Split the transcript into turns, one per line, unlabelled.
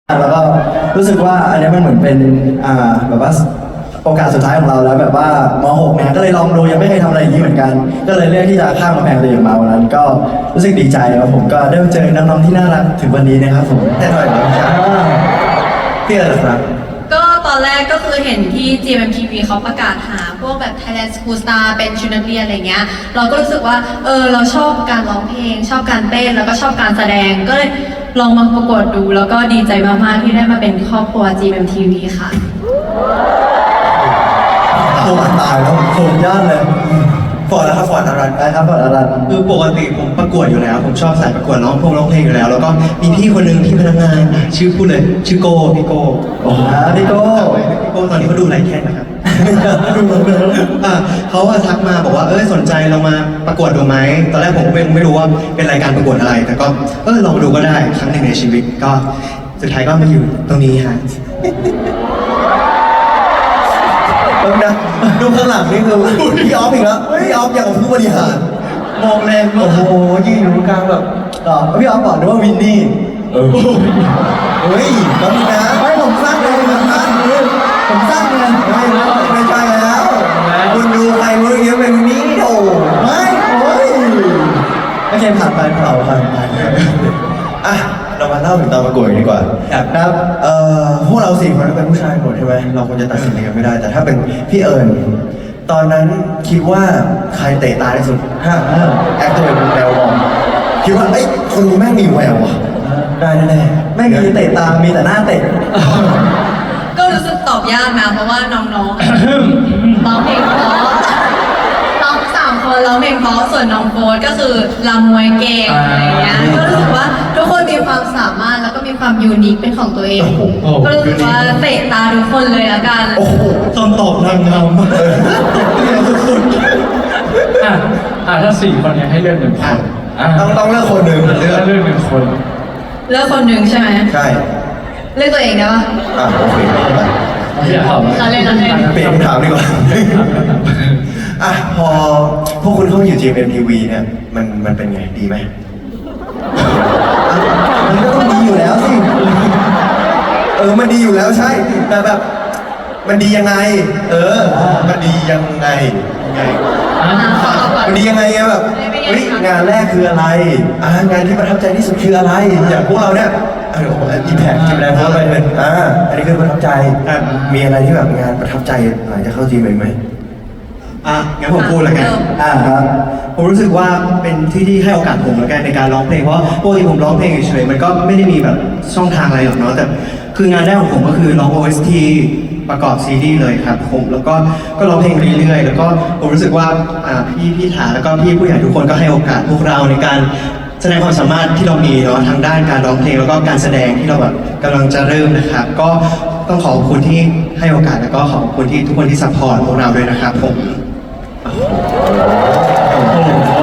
แล้วก็รู้สึกว่าอันนี้มันเหมือนเป็นแบบว่าโอกาสสุดท้ายของเราแล้วแบบว่าม.6 เนี่ยก็เลยลองดูยังไม่เคยทำอะไรอย่างนี้เหมือนกันก็เลยเลือกที่จะข้ามกำแพงตัวเองมาวันนั้นก็รู้สึกดีใจครับผมก็ได้มาเจอน้องๆที่น่ารักถึงวันนี้นะครับผมแน่นอนครับพี่อะไรครับ
ก็ตอนแรกก็คือเห็นที่ GMMTV เขาประกาศหาพวกแบบ Thailand School Star เป็นชุดนักเรียนอะไรเงี้ยเราก็รู้สึกว่าเราชอบการร้องเพลงชอบการเต้นแล้วก็ชอบการแสดงก็เลยลองมาประกวดดูแล้วก็ดีใจมากๆที่ได้มาเป็นครอบครัว GMMTV ค่ะ
โอ้ตายแล้วโหยอดเลย
ฟอร์ดนะครับฟอร์ดอารัน
นะครับฟอร์ดอารัน
คือปกติผมประกวดอยู่แล้วผมชอบสายประกวดร้องเพลงอยู่แล้วแล้วก็มีพี่คนหนึ่งที่พนักงานชื่อพูดเลยชื่อโก้พี่โก้
พี่โก้
ตอนนี้เขาดูไลฟ์แค่นะครับเขาทักมาบอกว่าสนใจเรามาประกวดดูไหมตอนแรกผมไม่รู้ว่าเป็นรายการประกวดอะไรแต่ก็ลองดูก็ได้ครั้งหนึ่งในชีวิตก็สุดท้ายก็มาอยู่ตรงนี้ฮะ
นะดูข้างหลังนี่คือพี่ออฟอีกแล้วพี่ออฟอย่างกับผู้บริหารมองแรงโอ้โหยืนอยู่ตรงกลางแบบพี่ออฟบอกด้วยว่าวินนี่เฮ้ยแล้วมีนะไม่ผมสร้างเลยแบบนั้นผมสร้างเงินไม่ใช่แล้วคุณดูใครรู้เยอะเป็นวินนี่โอ้ไม่โอ้ยไม่ใช่ผ่านไปเผาผ่านไปอ่ะเรามาเล่าถึงตอนประกวดดีกว่าครับพวกเรา4 คนเป็นผู้ชายหมดใช่ไหมเราควรจะตัดสินกันไม่ได้แต่ถ้าเป็นพี่เอิญตอนนั้นคิดว่าใครเตะตาที่สุดแอคตัวเป็นแววบอลคิดว่าคนนี้แม่งมีแววว่ะได้แน่ๆไม่มีเตะตามีแต่หน้าเตะ
ก็รู้สึกตอบยากนะเพราะว่าน้องๆร้องเพลงเพราะน้อง3 คนร้องเพลงเพราะส่วนน้องโฟร์ก็คือรำมวยเก่งอะไรเงี้ยก็รู้สึกว่าทุกคนมีความสามารถแล้วก็มีความยูนิคเป็นของตัวเองก็รู้สึกว่าเตะตาทุกคนเลยละกัน
โอ้โหตอบนางงามสุด
ถ้า4 คนนี้ให้เลือก1 คน
ต้องเลือกคนหนึ่ง
เลือก1 คน
เลือกคนหนึ่งใช่ไหม
ใช่
เลือกตัวเองได้ปะ
โอเค
อย่าถาม
เราเล่น
เปลี่ยนคำถามดีกว่าพอพวกคุณเข้าอยู่ GMMTV เนี่ยมันเป็นไงดีไหมมันก็ต้องดีอยู่แล้วสิมันดีอยู่แล้วใช่แต่แบบมันดียังไงมันดียังไงมันดียังไงแบบงานแรกคืออะไรงานที่ประทับใจที่สุดคืออะไรอย่างพวกเราเนี่ยอิมแพคใช่ไหมเพราะมันเป็นอันนี้คือประทับใจมีอะไรที่แบบงานประทับใจหลังจากเข้าจีมไหม
งั้นผมพูดแล้วกัน
ครับ
ผมรู้สึกว่าเป็นที่ให้โอกาสผมแล้วกันในการร้องเพลงเพราะปกติผมร้องเพลงเฉยๆมันก็ไม่ได้มีแบบช่องทางอะไรหรอกเนาะแต่คืองานแรกของผมก็คือร้อง OST ประกอบซีรีส์เลยครับผมแล้วก็ร้องเพลงเรื่อยๆแล้วก็ผมรู้สึกว่าพี่ถาแล้วก็พี่ผู้ใหญ่ทุกคนก็ให้โอกาสพวกเราในการแสดงความสามารถที่เรามีเนาะทางด้านการร้องเพลงแล้วก็การแสดงที่เราแบบกำลังจะเริ่มนะครับก็ต้องขอบคุณที่ให้โอกาสแล้วก็ขอบคุณที่ทุกคนที่ซัพพอร์ตพวกเราด้วยนะครับผม